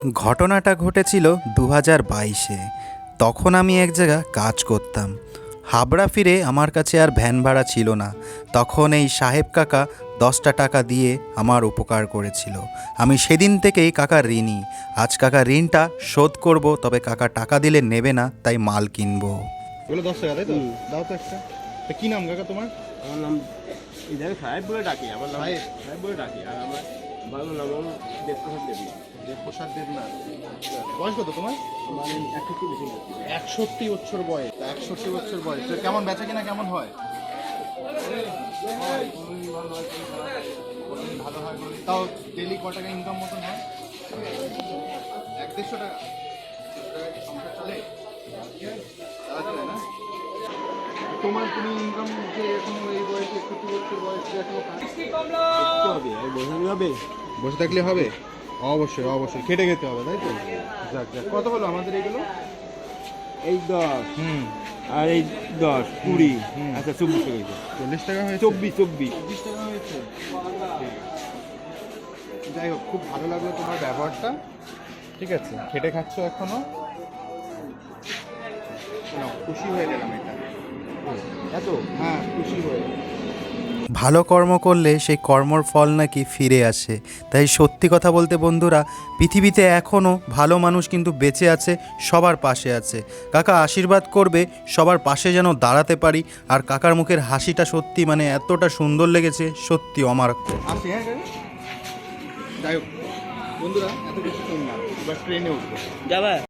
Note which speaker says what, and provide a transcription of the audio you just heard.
Speaker 1: ঘটনাটা ঘটেছিল 2022-এ। তখন আমি এক জায়গায় কাজ করতাম। হাবড়া ফিরে আমার কাছে আর ভ্যান ভাড়া ছিল না। তখন এই সাহেব কাকা 10টা টাকা দিয়ে আমার উপকার করেছিল। আমি সেদিন থেকেই কাকার ঋণী। আজ কাকার ঋণটা শোধ করব, তবে কাকা টাকা দিলে নেবে না, তাই মাল কিনবো।
Speaker 2: এগুলো 10 টাকা তাই তো? দাও তো একটা। তা কি নাম কাকা তোমার?
Speaker 3: আমার নাম ইধারে সাহেব বলে ডাকি, আমার নাম
Speaker 2: সাহেব?
Speaker 3: সাহেব বলে ডাকি। আর আমার বাংলা নাম হলো দেবপ্রসাদ দেবী।
Speaker 2: দেবপ্রসাদ দেবনাথ। বয়স কত তোমার?
Speaker 3: আমার 61 বেশি না।
Speaker 2: 61 বছর বয়স। 61 বছর বয়স। তো কেমন বেচা কিনা কেমন হয়? ভালো হয়। তাও ডেলি ক টাকা ইনকাম মতন হয়? 1-150 টাকা। সংসার চলে? চলে না? তুমি ইনকাম যে এখন এই বয়সে 61 বছর বয়সে এখনো কাজ
Speaker 3: করতে হবে, আর বসে হবে।
Speaker 2: বসে থাকলে হবে? অবশ্যই অবশ্যই খেটে খেতে হবে, তাই তো? যাক যাক। কত হলো আমাদের এইগুলো?
Speaker 3: এই 10
Speaker 2: হুম।
Speaker 3: আর এই 10 20
Speaker 2: হুম।
Speaker 3: আচ্ছা 24 টাকা হয়েছে।
Speaker 2: 40 টাকা হয়েছে?
Speaker 3: 24
Speaker 2: 24 টাকা হয়েছে। যাই হোক, খুব ভালো লাগলো তোমার ব্যবহারটা। ঠিক আছে, খেটে খাচ্ছ এখনো? না, খুশি হয়ে গেলাম এটা। এত? হ্যাঁ, খুশি হয়ে।
Speaker 1: ভালো কর্ম করলে সেই কর্মর ফল নাকি ফিরে আসে। তাই সত্যি কথা বলতে বন্ধুরা, পৃথিবীতে এখনও ভালো মানুষ কিন্তু বেঁচে আছে, সবার পাশে আছে। কাকা আশীর্বাদ করবে সবার পাশে যেন দাঁড়াতে পারি। আর কাকার মুখের হাসিটা সত্যি মানে এতটা সুন্দর লেগেছে, সত্যি অমারাত্মক।
Speaker 2: আসি, হ্যাঁ কাকা? যাই হোক বন্ধুরা, এত কিছু শুনলাম, এবার ট্রেনে উঠবো।
Speaker 3: যাবা?